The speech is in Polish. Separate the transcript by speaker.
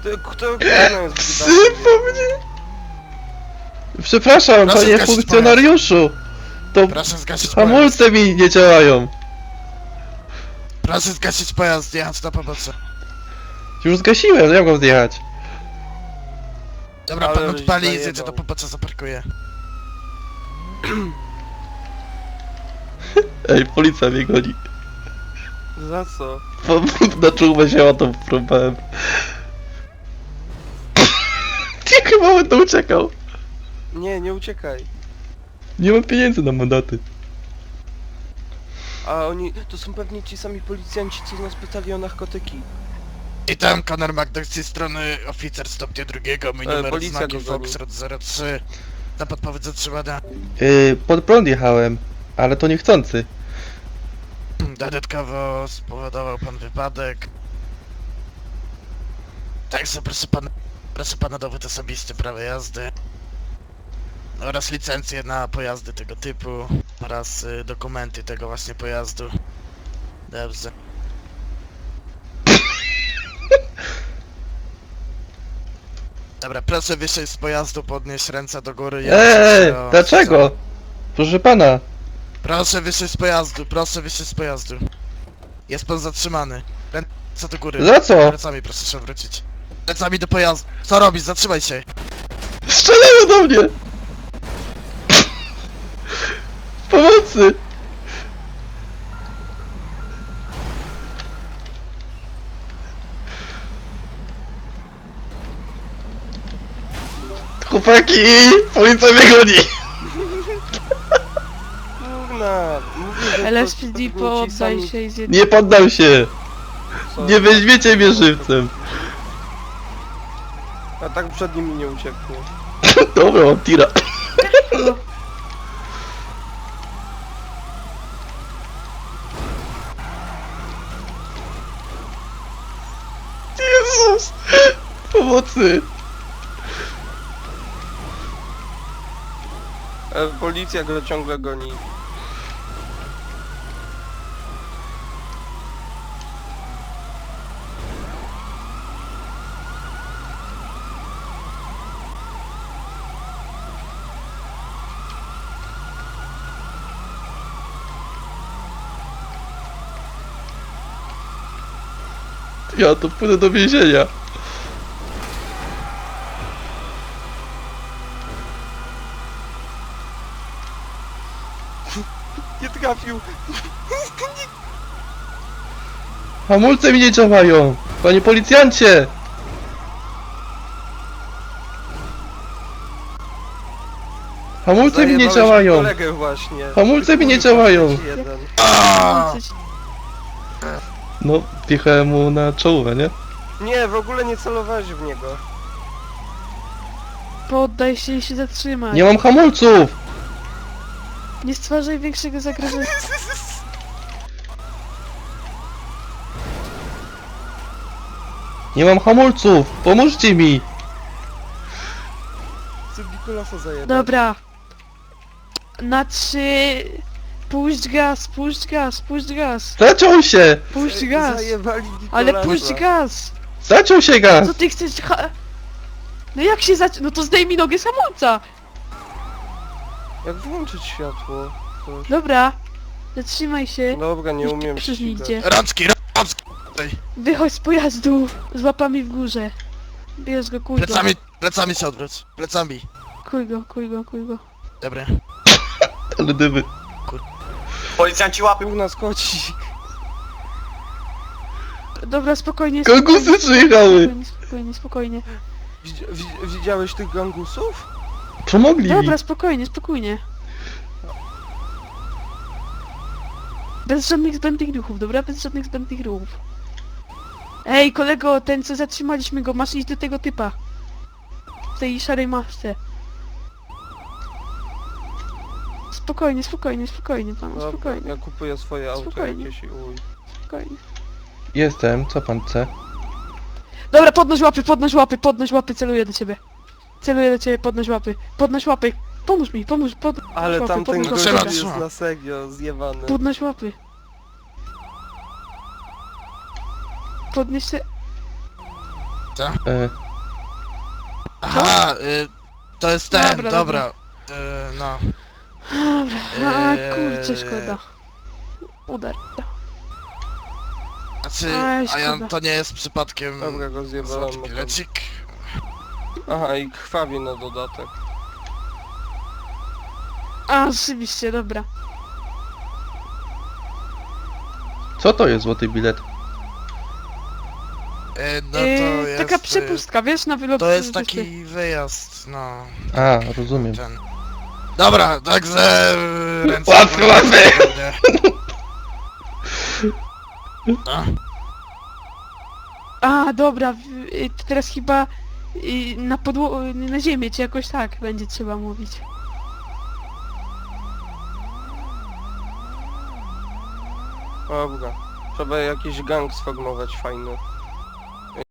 Speaker 1: Kto jest
Speaker 2: Sypo mnie! Przepraszam,
Speaker 3: Proszę
Speaker 2: panie
Speaker 3: zgasić
Speaker 2: funkcjonariuszu! To
Speaker 3: Proszę zgasić pojazd.
Speaker 2: hamulce mi nie działają!
Speaker 3: Proszę zgasić pojazd, jechać na pomocy.
Speaker 2: Już zgasiłem, jak mam zjechać?
Speaker 3: Dobra,
Speaker 1: Ale
Speaker 3: pan
Speaker 1: żeś
Speaker 3: odpali i
Speaker 1: zajebał.
Speaker 3: zjedzie do pomocy, zaparkuje.
Speaker 2: Ej, policja mnie goni.
Speaker 1: Za co?
Speaker 2: Bo na czubę się o to próbowałem. Nie, chyba będę uciekał.
Speaker 1: Nie, nie uciekaj.
Speaker 2: Nie mam pieniędzy na mandaty.
Speaker 1: A oni... To są pewnie ci sami policjanci, co nas pytali o narkotyki.
Speaker 3: I tam Conor McDuck z tej strony, oficer stopnia drugiego, mój numer
Speaker 1: policja
Speaker 3: znaki
Speaker 1: go goni.
Speaker 3: Foxtrot 03. Na podpowiedź zatrzymana.
Speaker 2: Pod prąd jechałem, ale to niechcący.
Speaker 3: Dodatkowo spowodował pan wypadek. Także proszę pana dowód osobisty, prawo jazdy. Oraz licencję na pojazdy tego typu. Oraz dokumenty tego właśnie pojazdu. Dobrze. Dobra, proszę wyjść z pojazdu, podnieść ręce do góry.
Speaker 2: Dlaczego? Proszę pana.
Speaker 3: Proszę wyjść z pojazdu, proszę wyjść z pojazdu. Jest pan zatrzymany. Ręce do góry.
Speaker 2: Za co?
Speaker 3: Plecami proszę się wrócić. Plecami do pojazdu. Co robisz? Zatrzymaj się.
Speaker 2: Strzelają do mnie! Pomocy! Chłopaki! Policja mnie goni!
Speaker 1: Kurna, mówię, że to
Speaker 4: LSPD
Speaker 1: pewnie ci
Speaker 4: poddaj
Speaker 1: sami-
Speaker 4: się i zjedz...
Speaker 2: Nie poddam się!
Speaker 1: co?
Speaker 2: Nie weźmiecie mnie żywcem!
Speaker 1: A tak przed nimi nie uciekło.
Speaker 2: Dobra, mam tira. Jezus! Pomocy!
Speaker 1: Policja go ciągle goni.
Speaker 2: Ja to pójdę do więzienia.
Speaker 1: Nie trafił!
Speaker 2: Hamulce mi nie działają! Panie policjancie! Hamulce mi nie
Speaker 1: Zajebałeś
Speaker 2: działają!
Speaker 1: kolegę właśnie.
Speaker 2: Hamulce mi nie
Speaker 1: Kurwa,
Speaker 2: działają.
Speaker 1: trzeci jeden.
Speaker 2: No, wjechałem mu na czołówę, nie?
Speaker 1: Nie, w ogóle nie celowałeś w niego.
Speaker 4: Poddaj się i się zatrzymaj.
Speaker 2: Nie mam hamulców!
Speaker 4: Nie stwarzaj większego zagrożenia.
Speaker 2: Nie mam hamulców! Pomóżcie mi!
Speaker 1: Chcę Nikolasa zajebać.
Speaker 4: Dobra. Na 3... Puść gaz, puść gaz, puść gaz.
Speaker 2: Zaciął się!
Speaker 4: Puść gaz.
Speaker 1: Zajebali Nikolasa.
Speaker 4: Ale puść gaz.
Speaker 2: Zaciął się gaz!
Speaker 4: Co ty chcesz... No jak się No to zdejmij nogę z hamulca.
Speaker 1: Jak włączyć światło? To...
Speaker 4: Dobra. Zatrzymaj się.
Speaker 1: Dobra, nie
Speaker 4: Niech
Speaker 1: umiem
Speaker 4: krzyż
Speaker 1: ścigać.
Speaker 4: idzie.
Speaker 3: Rączki!
Speaker 4: Wychodź z pojazdu. Z łapami w górze. Bierz go, kuj go.
Speaker 3: Plecami się odwróć. Plecami.
Speaker 4: Kuj go, kuj go, kuj go.
Speaker 3: Dobra.
Speaker 2: Ale dymy.
Speaker 5: Policjanci łapią.
Speaker 1: Był nas koci.
Speaker 4: Dobra, spokojnie.
Speaker 2: Kangusy
Speaker 4: spokojnie,
Speaker 2: przyjechały!
Speaker 4: Spokojnie, spokojnie, spokojnie.
Speaker 1: Widziałeś tych gangusów?
Speaker 2: Pomogli mi!
Speaker 4: Dobra, spokojnie, spokojnie. Bez żadnych zbędnych ruchów, dobra? Bez żadnych zbędnych ruchów. Ej, kolego, ten co zatrzymaliśmy go, masz iść do tego typa. W tej szarej masce. Spokojnie, spokojnie, spokojnie, panu,
Speaker 1: Dobra,
Speaker 4: spokojnie,
Speaker 1: ja kupuję swoje auto
Speaker 4: Spokojnie.
Speaker 1: jakieś i uj.
Speaker 4: spokojnie.
Speaker 2: Jestem, co pan chce?
Speaker 4: Dobra, podnoś łapy, celuję do ciebie. Celuję do ciebie, podnoś łapy. Pomóż mi,
Speaker 1: Ale
Speaker 4: łapy,
Speaker 1: tamten
Speaker 4: podnoś
Speaker 1: gość
Speaker 3: Trzeba,
Speaker 4: łapy.
Speaker 1: jest
Speaker 3: trzeba.
Speaker 1: na serio zjebany.
Speaker 4: Podnoś łapy. Podnieś się.
Speaker 3: Co?
Speaker 2: E,
Speaker 3: Aha, to jest ten,
Speaker 4: Dobra,
Speaker 3: dobra. No.
Speaker 4: Dobra, a kurczę, szkoda. Udar.
Speaker 3: Znaczy,
Speaker 4: Aj,
Speaker 3: a ja,
Speaker 4: szkoda.
Speaker 3: to nie jest przypadkiem
Speaker 1: Dobra, go zjebałem.
Speaker 3: złoty bilecik.
Speaker 1: Aha, i krwawi na dodatek.
Speaker 4: A, rzeczywiście, dobra.
Speaker 2: co to jest złoty bilet?
Speaker 3: No to jest...
Speaker 4: Taka przepustka, wiesz, na wylot...
Speaker 3: To jest
Speaker 4: coś
Speaker 3: taki wyjazd, no.
Speaker 2: A, rozumiem.
Speaker 3: Ten. Dobra, także... Ręce
Speaker 2: Łatwy, łatwy!
Speaker 3: No.
Speaker 4: A, dobra, to teraz chyba na ziemię, czy jakoś tak będzie trzeba mówić.
Speaker 1: Dobra. Trzeba jakiś gang sformować fajny.